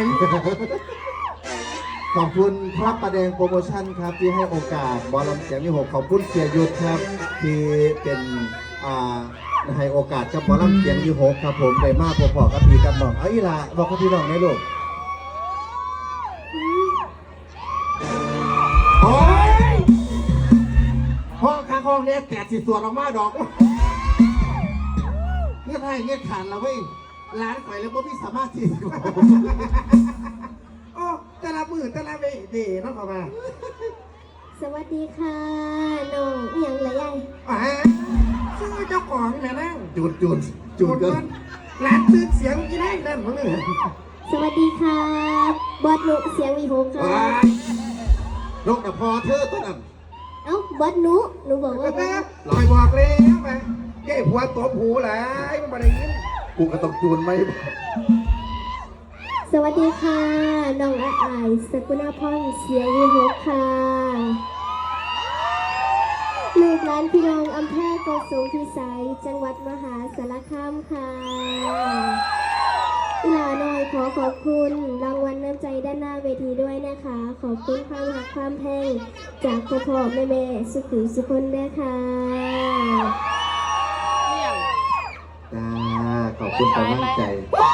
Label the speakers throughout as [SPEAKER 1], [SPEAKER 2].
[SPEAKER 1] ขอบคุณพระประแดงโปรโมชั่นครับที่ให้โอกาสบอลลำเสียงมี6ขอบคุณเสียยุทธครับที่เป็นให้โอกาสกับบอลลำเสียงมี6ครับผมได้มากพอๆกับพี่กับน้องเอาอีละบอกกับพี่น้องได้ลูกโอ้ยห้องข้างห้องเนี้ยแกะสีส่วนออกมาดอกเงี้ยให้เงี้ยขันแล้วเว้ยร้านไข่แล้วพี่สามารถที่
[SPEAKER 2] โอ้แต่ละมือแต่ละเวทีน้องเข้ามา
[SPEAKER 3] สวัสดีค่ะน้องเอียงละยาย
[SPEAKER 2] ชื่อเจ้าของแม่นั่ง
[SPEAKER 1] จูดกัน
[SPEAKER 2] ร้านตื่นเสียงกี่แน่นั่นมั้งเนี่ย
[SPEAKER 3] สวัสดีค่ะบอสนุเสียงวีโฮค่ะ
[SPEAKER 1] นกแต่พอเธอตัวนั้น
[SPEAKER 3] เอ้าบอสหนูบอกว่า
[SPEAKER 2] ลอยบอกเลยไปแก้หัวตบหูแหละมันมาได้ยิน
[SPEAKER 1] กูก็ต้องจูนไหม
[SPEAKER 3] สวัสดีค่ะน้องอาอายสกุณาพรเสียงวีโฮค่ะลูกหลานพี่น้องอำเภอโกสุมพิสัยจังหวัดมหาสารคามค่ะอีหลาน้อยขอขอบคุณรางวัลน้ำใจด้านหน้าเวทีด้วยนะคะขอบคุณความรักความแพงจากพ่อแม่สุขุมสุคนด้วยค่ะ
[SPEAKER 1] จ้าขอบคุณกำลังใจ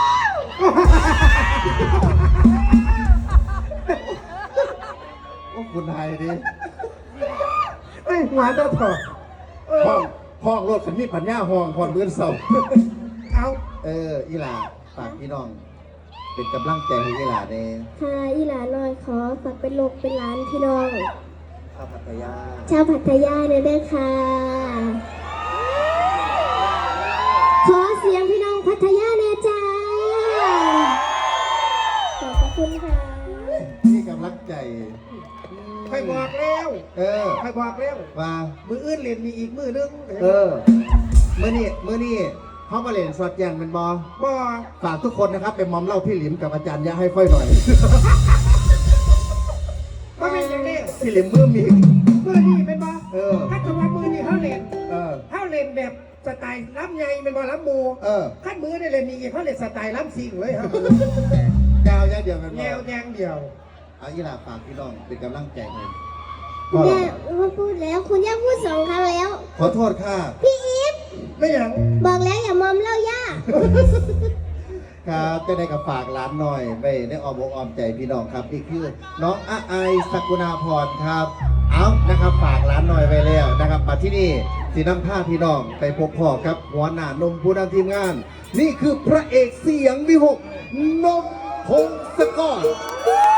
[SPEAKER 1] โอ้คุณไทยดิ
[SPEAKER 2] ไอ้หัวเจ้าถอด
[SPEAKER 1] ห้องรถขันมีปัญญาห้องพรเบื้องเสา
[SPEAKER 2] เอา
[SPEAKER 1] อีหลาฝากพี่น้องเป็นกำลังใจให้อีหลาเนี่ย
[SPEAKER 3] ค่ะอีหลาน้อยขอฝากเป็นลูกเป็นหลานพี่น้อง
[SPEAKER 1] ชาวพัทยา
[SPEAKER 3] เนี่ยด้วยค่ะขอเสียงพี่น้องพัทยาเนี่ยจ้าขอบคุณค่ะ
[SPEAKER 1] นี่กำลังใจ
[SPEAKER 2] ใครบอกแล้วใครบอกแล้ว
[SPEAKER 1] ว่า
[SPEAKER 2] มืออื่นเล่นมีอีกมือนึง
[SPEAKER 1] เมื่อนี่เขามาเล่นสอดแยงเป็นบอฝากทุกคนนะครับเป็นมอมเล่าพี่หลิมกับอาจารย์ยะให้ค่อยหน่อย
[SPEAKER 2] ก็เป็นอย่างนี้
[SPEAKER 1] พี่หลิมมือมี
[SPEAKER 2] นี่เป็นบอถ้าตัวมือนี่เขาเล่นแบบสไตล์ล้ำใหญ่เป็นบอล้ำมูขั้นมือได้เล่นมีอีกเขาเล่นสไตล์ล้ำซิงเลยครับ
[SPEAKER 1] ยาวอย่างเดียวกัน
[SPEAKER 2] แนวแยงเดียว
[SPEAKER 1] เอาอีหลาฝากพี่น้องเป็นกำลังใจเลย
[SPEAKER 3] คุณย่าพูดแล้วคุณย่าพูด2 ครั้งแล้ว
[SPEAKER 1] ขอโทษค่ะ
[SPEAKER 3] พี่อีฟ
[SPEAKER 2] ไม่อย่าง
[SPEAKER 3] บอกแล้วอย่ามอมเล่าย่า
[SPEAKER 1] ครับจะได้กับฝากร้านหน่อยไปได้ออมอกออมใจพี่น้องครับนี่คือน้องอาไอสกุณาพรครับเอานะครับฝากร้านหน่อยไปแล้วนะครับมาที่นี่สีน้ำผ้าพี่น้องไปพบพ่อครับหัวหน้านมผู้นำทีมงานนี่คือพระเอกเสียงวิหกนมพงศกร